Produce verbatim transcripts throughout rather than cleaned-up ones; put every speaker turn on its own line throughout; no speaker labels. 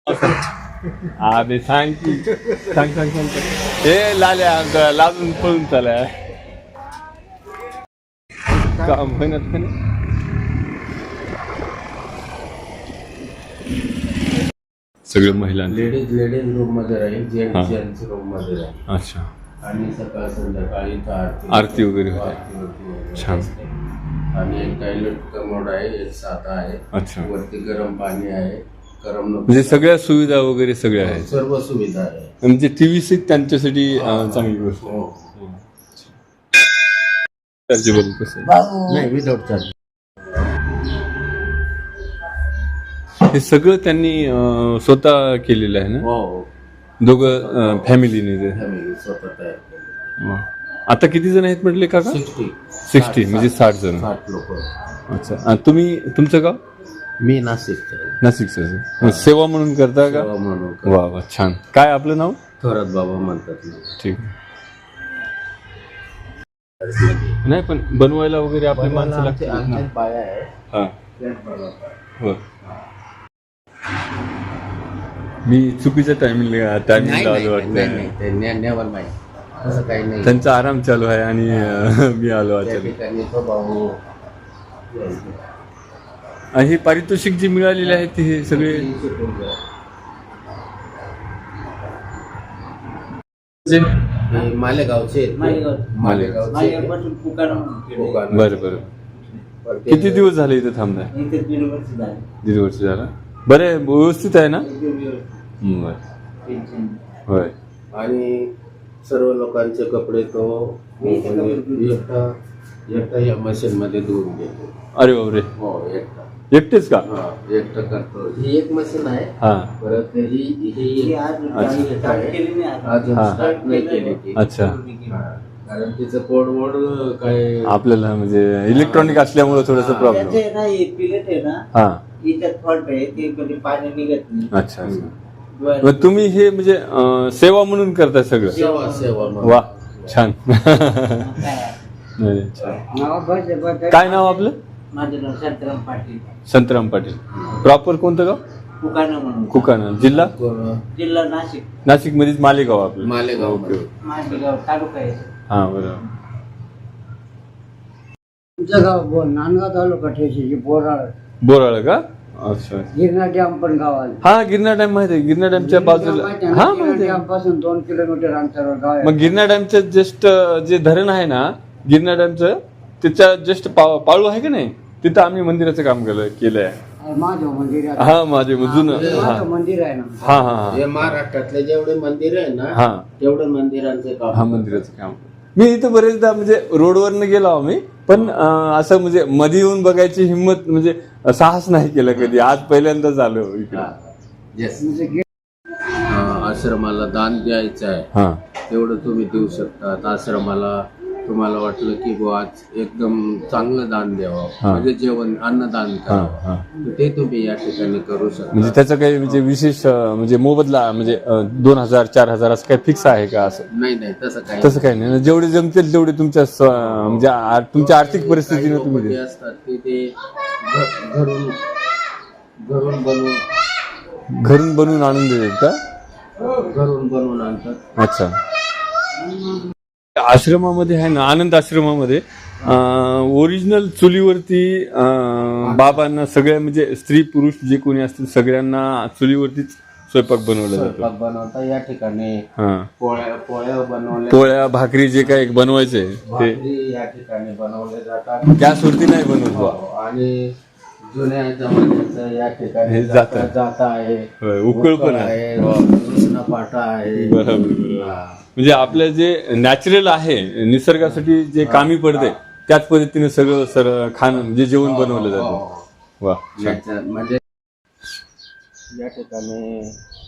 अरे सांग की सांग सांग सांग हे लाल्या लाजून पळून चालाय का म्हणत का नाही. सगळं महिला
लेडीज लेडीज रूम मध्ये राहील, जेंट्स जेंट्स रूम मध्ये राहील.
अच्छा.
आणि सकाळ संध्याकाळी इथं आरती
आरती वगैरे होते.
आरती होते.
छान.
आणि एक टॉयलेट कमोड आहे, एक साधा आहे.
अच्छा.
वरती गरम पाणी आहे, करमणूक
म्हणजे सगळ्या सुविधा वगैरे सगळ्या आहेत.
सर्व सुविधा आहे.
म्हणजे टीव्ही सीट त्यांच्यासाठी चांगली गोष्ट. चार्जेबल कसं
नाही, विदाउट चार्ज.
हे सगळं त्यांनी अं, स्वतः केलेलं आहे ना.
हो,
दोघं फॅमिलीने ते.
फॅमिली स्वतः तयार केली.
आता किती जण आहेत म्हटले काका.
सिक्स्टी
सिक्स्टी म्हणजे साठ जण.
साठ लोक.
अच्छा. आणि तुम्ही तुमचं गाव
मी नाशिकचं आहे.
नाशिकचं. सेवा म्हणून करता का.
सेवा म्हणून.
वा वा छान. काय आपलं नाव.
थोरात बाबा म्हणतात ना.
ठीक. नाही पण बनवायला वगैरे आपली माणसं लागतात.
आमच्या बाया आहे.
हा
बनवतात.
हो. मी चुकीच्या टायमिंगला टायमिंगला आलो वाटतं.
नेवर नाही, असं काही नाही.
त्यांचा आराम चालू आहे आणि अं, मी आलो
त्या
अचानक.
ठिकाणी तो भाऊ
आणि हे पारितोषिक जे मिळालेले आहे ते हे सगळे जे
हे मालेगावचे आहेत. मालेगावचे
बरं बरं. किती दिवस झाले इथे थांबताय. दीड वर्ष झालं. बरं आहे, व्यवस्थित आहे ना. बरं. होय.
आणि सर्व लोकांचे कपडे तो एकटा एकटा या मशीन मध्ये धुवून घेतो.
अरे बापरे.
हो, एकटा.
एकटेच का.
हा, एकटा करतो. ही एक मशीन आहे.
हा.
परत ही ही अजून स्टार्ट नाही केली ती.
अच्छा.
कारण तिचं कोड वोड काय
आपल्याला म्हणजे इलेक्ट्रॉनिक असल्यामुळे थोडस प्रॉब्लेम. हा. अच्छा. मग तुम्ही हे म्हणजे अं, सेवा म्हणून करताय सगळं.
सेवा सेवा
वा छान. नाही, छान. काय नाव आपलं.
माझं नाव शांताराम पाटील.
संतराम पाटील. प्रॉपर कोणतं गाव.
कुकाणा म्हणून.
कुकाणा. जिल्हा
जिल्हा नाशिक.
नाशिक मध्येच मालेगाव आपलं.
मालेगाव.
मालेगाव तालुका आहे.
हा बरोबर.
तुमचं गाव बोल नांदगाव तालुका ठेशीची बोराळ.
बोराळ का. अच्छा.
गिरणा डॅम पण गावाला.
हा गिरणा डॅम माहिती आहे. गिरणा डॅमच्या बाजूला. हा माहिती आहे.
डॅम पासून दोन किलोमीटर अंतरावर गाव आहे.
मग गिरणा डॅमचं जस्ट जे धरण आहे ना गिरणा डॅमचं त्याच्या जस्ट पाळू आहे का नाही तिथं आम्ही मंदिराचं काम केलं केलंय.
माझं मंदिर आहे.
हा माझे जुनं. हा
माझं मंदिर आहे ना.
हा हा
हे महाराष्ट्रातले जेवढे मंदिर आहे ना
हा
तेवढे मंदिरांचे
हा
काम.
मंदिराचं काम. मी इथं बरेचदा म्हणजे रोडवरनं गेलो आम्ही पण अं, असं म्हणजे मध्ये येऊन बघायची हिंमत म्हणजे साहस नाही केलं कधी. आज पहिल्यांदाच आलो इकडे.
Yes. हा, आश्रमाला दान द्यायचं आहे
हा
तेवढं तुम्ही देऊ शकता. आश्रमाला तुम्हाला वाटलं की बुवा आज एकदम चांगलं दान द्यावं
हा.
म्हणजे जेवण अन्नदान
हा
करावं
हा
तर ते तुम्ही या ठिकाणी करू शकता.
म्हणजे त्याचं काही म्हणजे विशेष अं, म्हणजे मोबदला म्हणजे अं, दोन हजार चार हजार असं काही फिक्स आहे का असं.
नाही नाही तसं काही
तसं काही नाही. जेवढे जमतील तेवढे तुमच्या स्व- म्हणजे आ- तुमच्या आर्थिक परिस्थितीने
काही
तुम्ही
लोकं जे
द्या.
असतात ते ते घ- घरून घरून बनवून
घरून बनवून आणून देतात का.
घरून बनवून आणतात.
अच्छा. आश्रमामध्ये आहे ना आनंद आश्रमामध्ये ओरिजिनल चुलीवरती अं, बाबांना सगळ्या म्हणजे स्त्री पुरुष जे कोणी असतील सगळ्यांना चुलीवरतीच स्वयंपाक बनवला जातो.
स्वयंपाक बनवता या ठिकाणी
हा
पोळ्या पोळ्या बनवल्या
पोळ्या भाकरी जे काही बनवायचे ते
भाकरी या ठिकाणी बनवले जातात.
गॅसवरती नाही बनवत बा.
आणि जुन्या जमान्याचं या ठिकाणी
हे
जाता
जातं.
जाता आहे.
होय, उकळ पण आहे.
कृष्ण पाटा आहे.
बरोबर बरोबर. म्हणजे आपलं जे नॅचरल आहे निसर्गासाठी जे कामी पडते त्याच पद्धतीने सगळं सर खाणं जे जेवण बनवलं जातं. वा छान.
याच्या- म्हणजे या ठिकाणी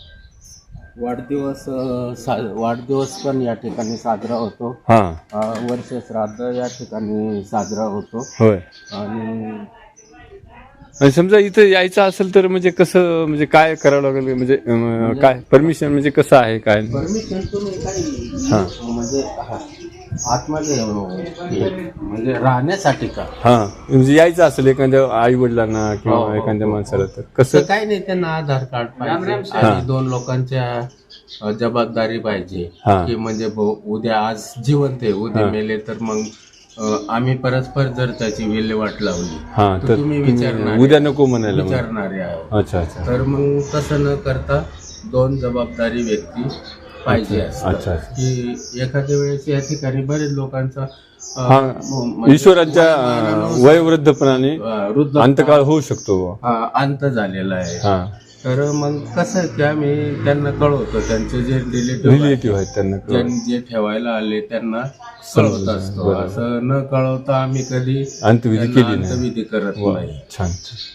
वाढदिवस अं, सा- वाढदिवस पण या ठिकाणी साजरा होतो.
हा
अं, वर्ष श्राद्ध या ठिकाणी साजरा होतो.
होय.
आणि
आणि समजा इथं यायचं असेल तर म्हणजे कसं म्हणजे काय करावं लागेल म्हणजे अं, काय परमिशन म्हणजे कसं आहे काय.
परमिशन तुम्ही काही
हा.
म्हणजे हा, आतमध्ये हे, म्हणजे राहण्यासाठी का
हा म्हणजे यायचं असेल एखाद्या आई वडिलांना
हो,
किंवा
हो,
एखाद्या
हो.
माणसाला तर
तर
कसं
काही नाही, त्यांना आधार कार्ड
राम राम
पाहिजे
सर.
आणि दोन लोकांच्या अ, जबाबदारी पाहिजे
हा.
की म्हणजे भाऊ उद्या आज जिवंत आहे, उद्या
हा.
मेले तर मग अ, आम्ही परस्पर जर त्याची विल्हेवाट लावली
हा
तर
तर
तुम्ही
तुम्ही
विचारणार
उद्या नको म्हणायला मग.
विचारणारे आहोत.
अच्छा अच्छा
तर मग तसं न करता दोन जबाबदारी व्यक्ती पाहिजे
अच्छा,
असतात.
अच्छा, अच्छा.
की एखाद्या वेळेस या ठिकाणी बरेच लोकांचा अ,
हा
म्हणजे
ईश्वराच्या
वयोमानानुसार,
वयवृद्धपणाने
अ, वृद्ध
अंतकाळ होऊ शकतो बुवा.
हा, अंत झालेला आहे.
हा
तर मग कसं आहे की आम्ही त्यांना कळवतो, त्यांचे जे रिलेटिव्ह
रिलेटिव्ह आहेत त्यांना कळवा.
जे ठेवायला आले त्यांना कळवत असतो.
बरोबर.
असं न कळवता आम्ही कधी
अंतविधी
त्यांना
केली नाही.
अंतविधी करत
वा,
नाही.
छान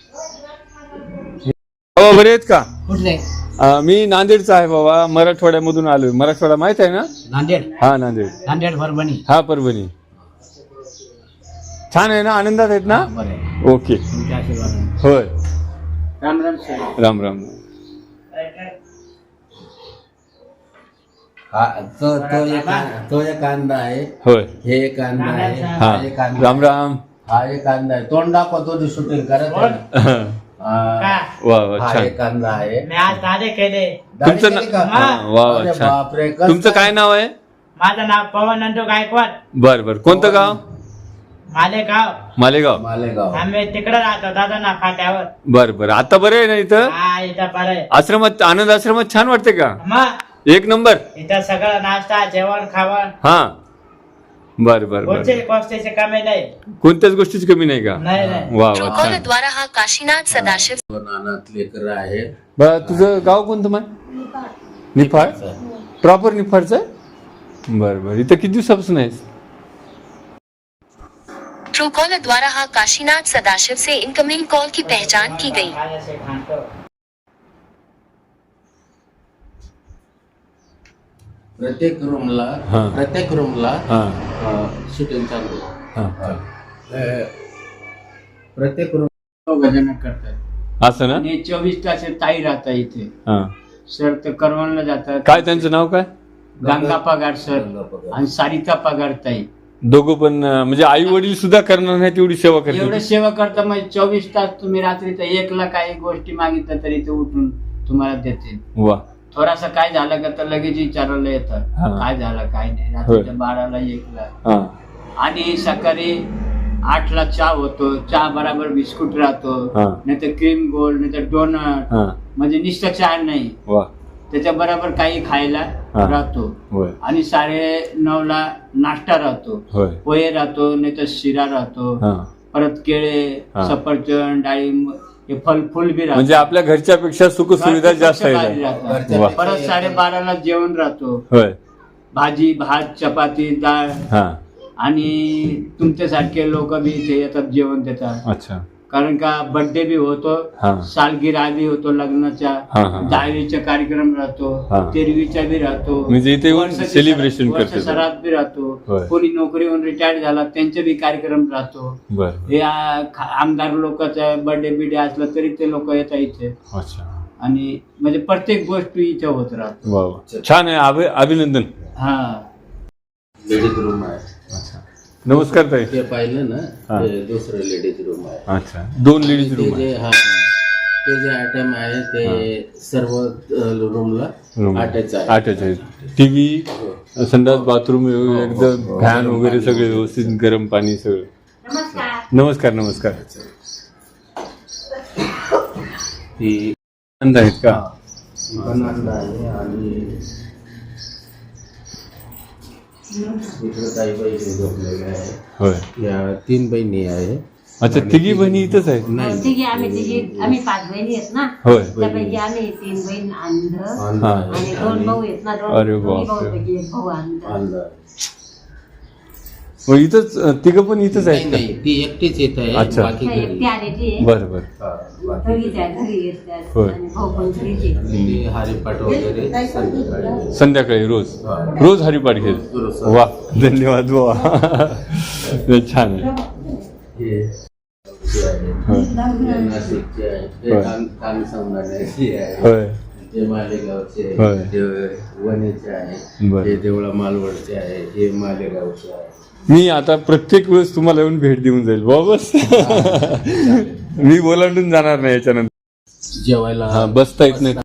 हो बरे आहेत का?
कुठले
अं, मी नांदेडचा आहे बाबा, मराठवाड्यामधून आलोय. मराठवाडा माहित आहे ना?
नांदेड
हा नांदेड.
नांदेड परभणी
हा परभणी. छान आहे ना, आनंदात आहेत ना?
बरं
ओके
तुमच्या आशीर्वादाने.
होय.
राम राम सर.
राम राम.
हा, तो तो एक तो एक कांदा आहे,
होय.
हे एक कांदा आहे,
हा
हा एक कांदा
राम
आहे.
राम.
हा एक कांदा आहे. तोंड दाखवतो शूटिंग करत आहे ना. हा,
वा वा
हा
छान.
एक कांदा आहे.
मी आज दादे केले.
तुमचं
दाढी केली का?
ना- हा, वा वा
अरे
छान.
बापरे, कसं
तुमचं काय नाव आहे?
माझं नाव पवन नंदू गायकवाड.
बर बर. कोणतं गाव?
मालेगाव.
मालेगाव.
मालेगाव.
आम्ही तिकडे राहतो दादा ना फाट्यावर.
बर बर. आता बरं आहे ना इथं?
हा इथं बरं आहे.
आश्रमात, आनंद आश्रमात छान वाटते का?
मग
एक नंबर.
इथं सगळं नाश्ता जेवण खावण
हा बर बर बर.
कोणते गोष्टीचे कमी नाही.
कोणत्याच गोष्टीची कमी नाही का?
नाही नाही.
वा वा
ट्रुकॉलर
छान.
द्वारा हा काशीनाथ सदाशिव
नानात लेकर आहे.
बरं तुझं गाव कोणतं माय? निफाड. प्रॉपर निफाडचं आहे? बर बर. इथं किती दिवसापासून आहेस?
ट्रुकॉलर द्वारा हा काशीनाथ सदाशिव से इनकमिंग कॉल की पहचान की गई.
खाण्याचे खाणतो.
प्रत्येक रूमला
हा.
प्रत्येक रूमला
हा
शूटिंग चालू आहे.
हा
अ, प्रत्येक रूम
भजन करतात
असं ना?
आणि चोवीस तास ताई राहतात इथे.
हा
सर तर करवणला जातात.
काय त्यांचं नाव काय?
गंगा पगार सर
गंगा पगार.
आणि सारिका पगार ताई.
दोघं पण अं, म्हणजे आई वडील सुद्धा करणार नाही तेवढी सेवा
एवढं
करते.
सेवा करता म्हणजे चोवीस तास तुम्ही रात्री तर एकला काही गोष्टी मागितल्या तरी ते उठून तुम्हाला देतील.
वा
थोडासा काय झालं का तर लगेच विचारायला येतात
हा.
काय झालं काय नाही. रात्रीच्या बाराला एकला
हा
आणि सकाळी आठला चहा होतो. चहा बराबर बिस्कुट राहतो,
हा.
नाही तर क्रीम गोल्ड, नाही तर डोनट,
हा
म्हणजे नुसतं चहा नाही,
वा
त्याच्या बरोबर काही खायला
हा.
राहतो.
होय
आणि साडे नऊ ला नाश्ता राहतो,
होय.
पोहे राहतो, नाही तर शिरा राहतो,
हा
परत केळे,
हा.
सफरचंद, डाळिंब, हे फल फुल बी
म्हणजे
राहतो.
आपल्या घरच्यापेक्षा सुख सुविधा जास्त
भारी
आहे.
राहतात.
वा.
परत साडेबाराला जेवण राहतो,
होय.
भाजी भात चपाती डाळ.
हा
आणि तुमच्यासारखे लोक बी इथे येतात जेवण देतात.
अच्छा.
कारण का बर्थडे बी होतो,
हा.
सालगिरा बी होतो, लग्नाचा,
हा, हा, हा.
दहावीचा कार्यक्रम राहतो,
हा.
तेरवीचा बी राहतो,
म्हणजे इथे येऊन
वर्षाची
celebration
वर्ष
करतात.
सरात बी राहतो.
होय.
कोणी नोकरीहून रिटायर झाला त्यांचे बी कार्यक्रम राहतो.
बर
हे आ- खा- आमदार लोकांचा बर्थडे बिडे असला तरी ते लोक येतात इथे.
अच्छा.
आणि म्हणजे प्रत्येक गोष्ट इथे होत राहतो.
वा वा छान आहे. अभि- अभिनंदन.
हा
लेडीज रूम आहे.
अच्छा. नमस्कार ताई.
ते पाहिलं ना,
हा.
ते दुसरं लेडीज रूम आहे.
अच्छा. दोन लेडीज
ते
रूम आहे.
जे हा ते जे आयटम आहे ते सर्व रूमला
रूम
अटॅच आहे.
अटॅच आहे. टीव्ही, संडास, बाथरूम एकदम फॅन वगैरे सगळे व्यवस्थित, गरम पाणी सगळं. नमस्कार नमस्कार.
ती
आनंद आहेत का?
ती पण आनंद आहे. आणि इकडे काही बहिणी झोपलेल्या आहे.
होय.
या तीन बहिणी आहे.
अच्छा. तिघी बहिणी इथंच आहेत?
नाही,
तिघी आम्ही तिघी आम्ही पाच बहिणी आहेत ना,
होय.
त्यापैकी आम्ही तीन बहीण अंध
अंध
हा.
आहे.
आणि दोन भाऊ आहेत ना, दोन
अरे
दोन्ही
बापरे.
भाऊपैकी एक भाऊ अंध.
अंध आहे.
मग इथंच तिघं पण इथंच
नाही
आहेत का?
नाही, ती एकटीच येत आहे.
अच्छा.
बाकी
नाही,
घरी.
एकटी आलेली आहे.
बरं बरं.
हा, बाकी
दोघीच आहे, घरी येत त्या.
होय.
आणि भाऊ पण घरीच आहे.
ती हरिपाठ वगैरे संध्याकाळी.
संध्याकाळी रोज
हा.
रोज हरिपाठ घेत.
रोज.
वा धन्यवाद. वा छान आहे.
हे जे आहे,
होय.
हे नाशिकचे आहे. हे
होय.
तान- तानसंभाळण्याची आहे.
होय.
ते मालेगावचे
होय.
आहे, ते वणीचे आहे,
बरं.
ते देवळा मालवणचे आहे, हे मालेगावचे आहे.
मी आता प्रत्येक वेळेस तुम्हाला येऊन भेट देऊन जाईल बस. मी बोलावून जाणार नाही याच्यानंतर.
जेवायला
हा बसता येत नाही.